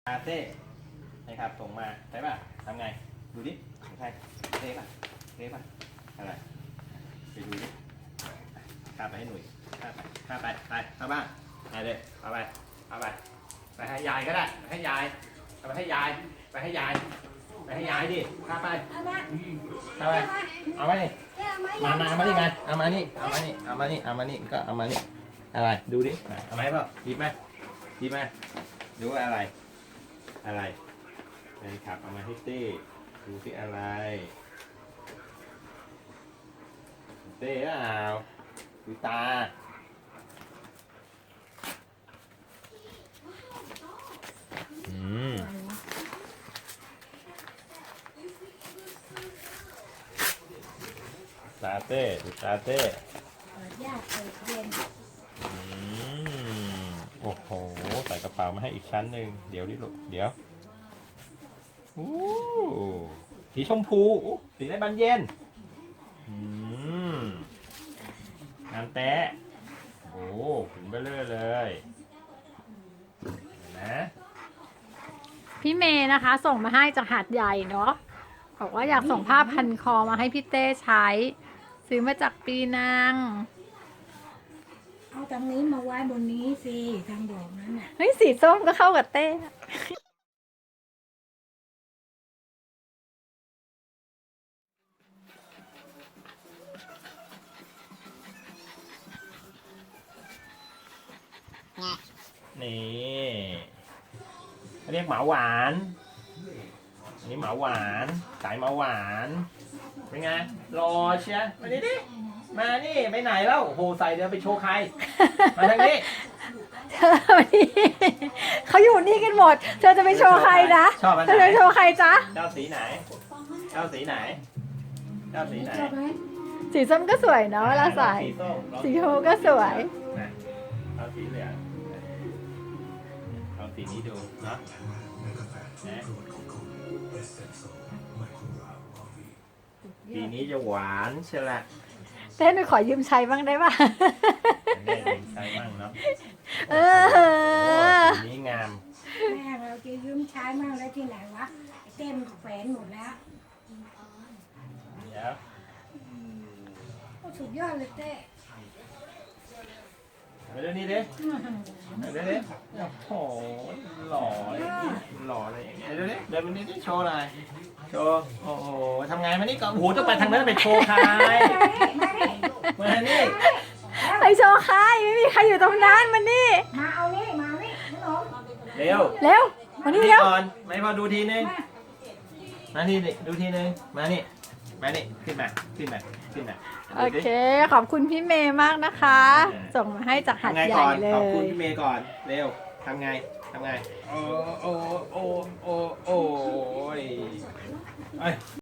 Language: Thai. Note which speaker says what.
Speaker 1: อาเต้นะครับส่งมาใช่ป่ะทำไงดูดิของใครเต้ป่ะอะไรไปดูดิข้าไปให้หนุ่ยข้าไปเข้าบ้านไปเลยเอาไปให้ยายก็ได้ให้ยายเอาไปให้ยายดิข้าไปเอาไปเอามาดิมาดิไงเอามานี่ก็เอามานี่อะไรดูดิเอาไหมเปล่าหยิบมาดูอะไรแฟนคลับเอามาให้เต้ดูที่อะไรเต้เปล่าดูตาตาเต้ดูตาเต้โอ้โหใส่กระเป๋ามาให้อีกชั้นหนึ่งเดี๋ยวดิลูกเดี๋ยวสีชมพูสีได้บานเย็นงานแตะโอ้ถึงเบลเลยนะ
Speaker 2: พี่เมย์นะคะส่งมาให้จากหาดใหญ่เนาะบอกว่าอยากส่งผ้าพันคอมาให้พี่เต้ใช้ซื้อมาจากปีนัง
Speaker 3: เอาทางนี้มาไว้บนนี้สิทางดอกนั้นน่ะ
Speaker 2: เฮ้ยสีส้มก็เข้ากับเต้
Speaker 1: นี่เรียกหมาหวานอันนี้หมาหวานสายหมาหวานเป็นไงรอเชียมาดิมานี่ไปไหนแล้วโอ้โหใส่เดี๋ยวไปโชว์ใครมาทางนี้
Speaker 2: เธอเขาอยู่นี่กันหมดเธอจะไปโชว์ใครนะเธอจะโชว์ใครจ๊ะ
Speaker 1: เจ้าสีไหน
Speaker 2: สีส้มก็สวยเนาะเวลาใส่สีชมพูก็สวย
Speaker 1: เอาสีเหลืองเอาสีนี้ดูเนาะสีนี้จะหวานใช่ละ
Speaker 2: เต้นหนูขอยืมใช้บ้างได้ป่ะ
Speaker 1: ได้ยืมใช้บ้างเนาะสีนี้งาม
Speaker 3: แม่เราจะยืมใช้มั่งแล้วที่ไหนวะเต้นแขวนหมดแล้ว
Speaker 1: เดี๋ยว
Speaker 3: สุดยอดเลยเต้
Speaker 1: ไปเรื่องนี้ดิโอ้โหหล่อเลยเดี๋ยวเดินไปนี่ดิโชว์หน่อยโชว์โอ้โหทำไงมานี่ก่อนโอ้โหต้องไปทางนั้นไปโชว์ใครมานี่
Speaker 2: ไปโชว์ใครไม่มีใครอยู่ตรงนั้นมานี่
Speaker 3: มาเอานี่น้อง
Speaker 1: เร็ว
Speaker 2: มานี่เร็ว
Speaker 1: ก่อนไม่พอดูทีนึงมานี่ดูทีนึงมานี่ขึ้นมา
Speaker 2: โอเคขอบคุณพี่เมย์มากนะคะ ส่งมาให้จากหาดใหญ่เลย
Speaker 1: ขอบคุณพี่เมย์ก่อนเร็วทำไงโอ้